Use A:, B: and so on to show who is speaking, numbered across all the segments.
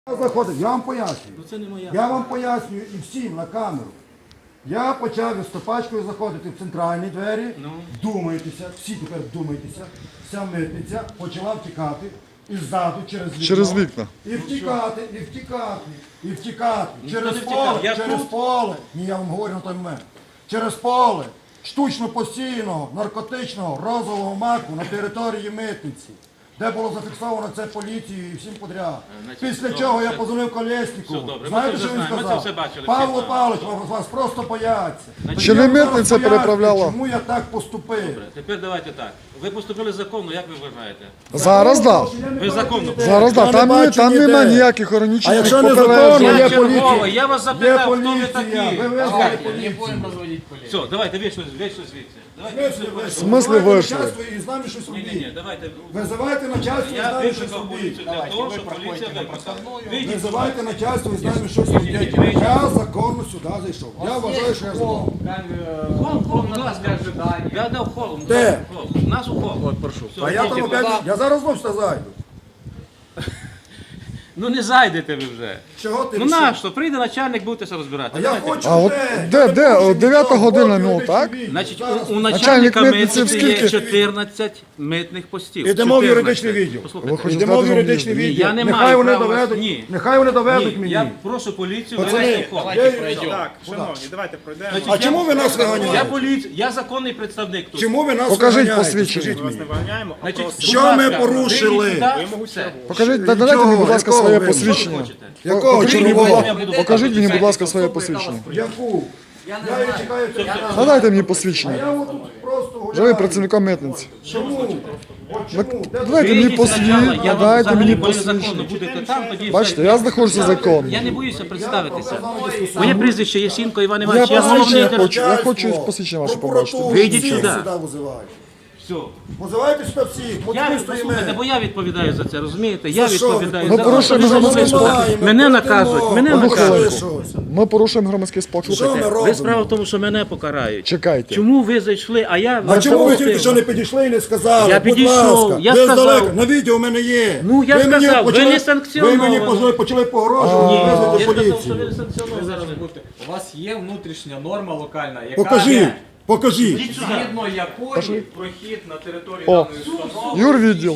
A: Заходить, я вам пояснюю.
B: Це не моя.
A: Я вам пояснюю і всім на камеру. Я почав із стопачкою заходити в центральні двері, думайтеся, всі тепер думайтеся, вся митниця почала втікати і ззаду через вікна. І втікати, і втікати, і втікати. Через поле. Ні, я вам говорю на той момент. Через поле штучно постійного, наркотичного, розового маку на території митниці, де було зафіксовано це поліцією і всім подряд. Після чого я позвонив Колєсніку. Знаєте, що він сказав? Павло Павлович, вас просто бояться.
C: Чи не митниця переправляла?
A: Чому я так поступив?
B: Добре, тепер давайте так. Ви поступили законно, як ви вважаєте?
C: Зараз так.
B: Ви законно.
C: Зараз так. Там немає ніяких органічних
A: А якщо не
C: попереджень.
A: законно,
B: Я
A: є
B: черговий,
A: поліція.
B: я вас
A: Є
B: запитав, хто ви
A: поліція.
B: такі.
A: Ви визвали поліцію.
B: Все, давайте вийшли звідси.
C: В смислі вийшли?
A: І з нами щось
B: Ні,
A: робіть.
B: давайте.
A: Визивайте начальство і з
B: Я
A: нами щось
B: викликав
A: робіть.
B: поліцію для того, щоб поліція викликала.
A: Визивайте начальство і з нами щось робіть. Я законно сюди зайшов. Я вважаю, що я законно.
B: Холм, будь ласка. Я дав холм.
A: Де?
B: У нас у холм. От, прошу.
A: А я там опять, я зараз знов сюди зайду.
B: Ну не зайдете ви вже.
A: Чого ти
B: Ну
A: рішив?
B: нащо? Прийде начальник, будете розбирати.
A: А я
B: Давайте.
A: хочу
C: А от де? О, 9 година, ну, так?
B: Значить,
A: Зараз.
B: у
C: Начальник
B: начальника
C: митниці
B: митниці є
C: скільки?
B: 14 митних постів.
A: Ідемо в
B: 14.
A: юридичний відділ.
B: Послухайте,
C: Ви хочете
A: Йдемо в
C: сказати,
A: юридичний
C: що
B: Ні,
A: відділ.
B: я не
A: Нехай
B: маю
A: вони
B: права вас-
A: доведуть.
B: Ні.
A: Нехай вони доведуть
B: Ні,
A: мені.
B: я прошу поліцію
A: Пацани,
B: вивести в холм.
D: Так, шановні, давайте пройдемо.
A: А чому ви нас
B: Я
A: виганяєте?
B: поліція, я законний представник тут.
A: Чому ви нас
C: Покажіть
A: виганяєте?
C: посвідчення.
A: Скажіть
D: Вас
A: мені.
D: не виганяємо, а
B: Значить,
D: просто
B: будь
A: Що ми
B: ласка,
A: порушили?
B: вийдіть сюди, все.
C: Покажіть, дайте мені, будь ласка,
A: Якого
C: своє
A: ви?
C: посвідчення.
A: Якого
C: Покажіть мені,
A: червоного?
C: покажіть мені, будь ласка, своє посвідчення.
A: Яку? Я її чекаю.
C: Надайте мені
A: А
C: посвідчення.
A: я отут просто
C: Вже ви
A: гуляю.
C: працівником митниці.
A: Чому? От чому? Де
C: Давайте мені
B: Вийдіть
C: посвідчення,
B: спочатку, я вам
C: надайте
B: взагалі,
C: мені
B: коли законно
C: посвідчення.
B: будете там, тоді
C: Бачите,
B: все.
C: я знаходжуся законно.
B: Я не боюся представитися. Моє прізвище Єсінко Іван
C: Я
B: Іванович, я головний
C: посвідчення
B: державний.
C: хочу, я хочу посвідчення ваше побачити.
A: Прокуратуру
B: Вийдіть
A: всіх
B: сюди.
A: визивають.
B: Все.
A: Визивайте сюди всіх. От
B: Я
A: ми
B: послухайте,
A: стоїмо.
B: бо я відповідаю за це, розумієте? Я
A: За що ви?
B: відповідаю
C: Ми
B: за
C: порушуємо
B: те, що ви
C: громадський
B: сюди.
A: спокій.
B: Мене наказують, мене
C: Одну
B: наказують.
C: хвилинку. Ми порушуємо громадський спокій.
A: Що ми
C: Слухайте,
A: робимо?
B: Ви справа в тому, що мене покарають.
C: чекайте.
B: Чому ви зайшли, а я...
A: А чому ви
B: запустив?
A: тільки що не підійшли і не сказали?
B: Я
A: Будь
B: підійшов,
A: ласка.
B: я
A: Ви
B: сказав.
A: здалека, на відео в мене є.
B: Ну, я
A: мені
B: сказав, ви
A: почали-
B: не санкціоновано.
A: Ви мені почали погрожувати,
B: Я
A: визвати
B: сказав, що
A: поліцію.
B: ви санкціоновані.
E: Зараз бути. У вас є внутрішня норма локальна, яка
A: Покажіть, покажіть.
E: згідно якої прохід на території
C: О,
E: даної установи
C: юрвідділ.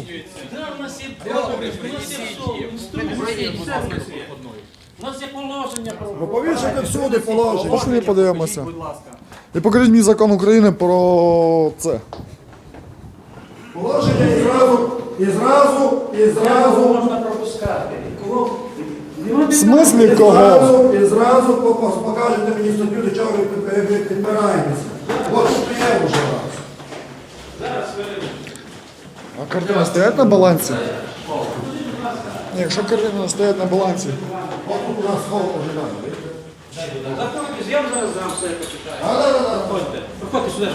B: У нас є положення про...
A: Ну, повішайте всюди положення.
C: Пошли подивимося.
E: будь ласка.
C: І покажіть мені закон України про це.
A: Положення і зразу.
B: Можна пропускати. Кого?
C: В смислі
A: І
C: кого?
A: зразу покажете мені статтю, до чого ви підбираєтеся. От тут є вже раз.
C: А картина стоять на балансі? Ні, якщо картина стоять на балансі.
A: От тут у нас холод ожидає.
B: Заходьте, я вам зараз дам все, я почитаю. Проходьте. Проходьте сюди.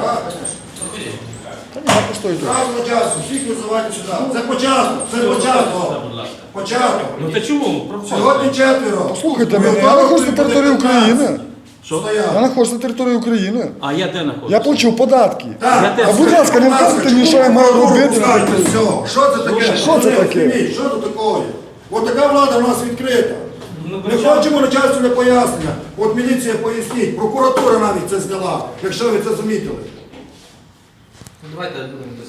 C: Та ні, я постою тут.
A: Зразу на часу, всіх визивайте сюди. Це початок, початок.
B: Ну та чому? Проходьте.
A: Сьогодні четверо.
C: Слухайте мене, я знаходжусь на території України.
B: Що?
C: Я знаходжусь на території України.
B: А я де знаходжусь?
C: Я плачу податки.
A: Так,
B: теж.
C: А будь ласка, не вказуйте мені, що я маю робити.
A: Все. Що це таке?
C: Що це таке?
A: Що це таке? От така влада в нас відкрита. Не хочемо начальству пояснення. От міліція поясніть, прокуратура навіть це зняла, якщо ви це замітили.
B: Давайте